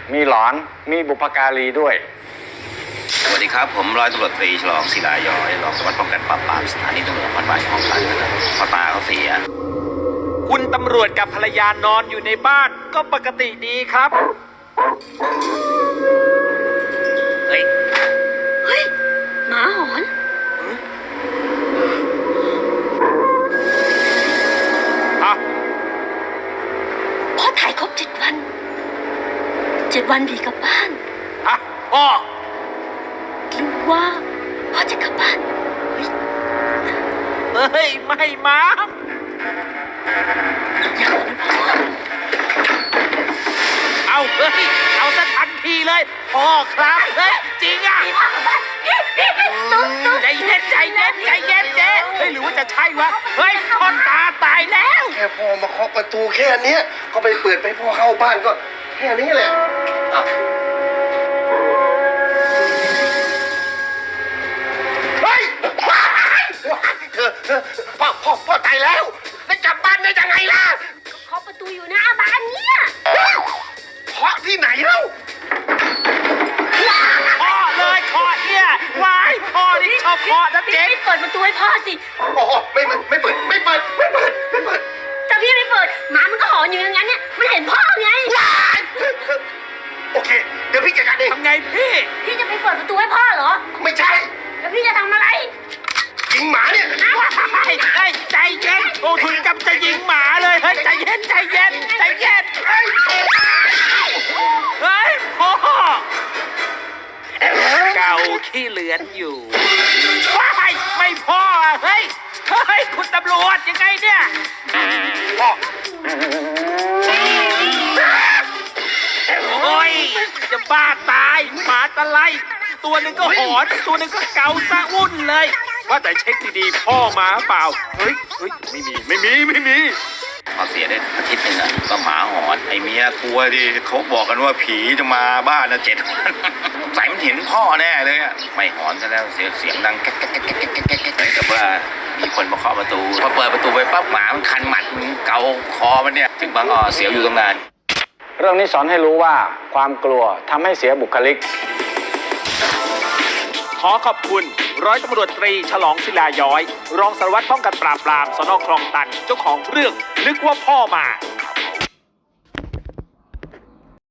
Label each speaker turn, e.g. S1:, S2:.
S1: มีหลอนมีบุพการีด้วย
S2: สวัสดีครับผมร้อยตำรวจตรีฉลองศิลาย้อยรองสารวัสดิ์ป้องกันปราบปรามสถานีตำรวจนครบาลคลองตันนะครับพ่อตาเขาเสีย
S3: คุณตำรวจกับภรรยานอนอยู่ในบ้านก็ปกติดีครับเฮ้ย
S4: หมาหอนพ่อถ่ายครบ7 วัน7 วันผีกลับบ้าน
S3: พ่อ
S4: หรือว่าพ่อจะกลับบ้าน
S3: เฮ้ยไม่มาเอาเฮ้ยเอาซะทันทีเลยพ่อครับเฮ้ยจริงอ่ะใจเย็นใจเย็นใจเย็นเจ๊เฮ้ยหรือว่าจะใช่วะเฮ้ยพ่อตาตายแล้ว
S5: แค่พ่อมาเคาะประตูแค่นี้ก็ไปเปิดไปพ่อเข้าบ้านก็แค่นี้แหละเฮ้ยพ่อตายแล้วได้กลับบ้านได้ยังไงล่ะ
S4: เคาะประตูอยู่หน้าบ้านเนี่ย
S5: เคาะที่ไหนเล่า
S3: พ่อเลยเคาะเนี่ยวายพ่อนี่ชอบเคาะนะเจ๊
S4: พี่เปิดประตูให้พ่อสิ
S5: โอ้ไม่เปิด
S4: แต่พี่ไม่เปิดหมามันก็หอนอยู่อย่างนั้นเนี่ยมันเห็นพ่อไง
S5: โอเคเดี๋ยวพี่จัดการเอง
S3: ทำไง
S4: พี่จะไปเปิดประตูให้พ่อเหรอ
S5: ไม่ใช่
S4: แล้วพี่จะทำอะไร
S5: ยิงหมาเนี่ย
S3: ใจเย็นโอ้ถึงกับจะยิงหมาเลยเฮ้ยใจเย็นเฮ้ยพ่อเก่าขี้เหลือนอยู่ไม่พ่อเฮ้ยคุณตำรวจยังไงเนี่ย
S5: พ่อ
S3: โอ้ยจะบ้าตายหมาตะไลตัวหนึ่งก็หอนตัวหนึ่งก็เกาซะวุ่นเลยว่าแต่เช็คดีๆพ่อมาเปล่าเฮ้ยไม่มี
S2: พอเสียได้อาทิตย์นึงอะก็หมาหอนไอเมียกลัวดิเขาบอกกันว่าผีจะมาบ้านนะ7 วันใส่มันเห็นพ่อแน่เลยอะไม่หอนซะแล้วเสียงดังแก๊กเหมือนกับว่ามีคนมาเคาะประตูพอเปิดประตูไปปั๊บหมามันคันหมัดมันเกาคอมันเนี่ยถึงบางเสียวอยู่ตรงนั้น
S1: เรื่องนี้สอนให้รู้ว่าความกลัวทำให้เสียบุคลิก
S3: ขอขอบคุณร้อยตำรวจตรีฉลองศิลาย้อยรองสารวัตรป้องกันปราบปรามสน.คลองตันเจ้าของเรื่องนึกว่าพ่อมา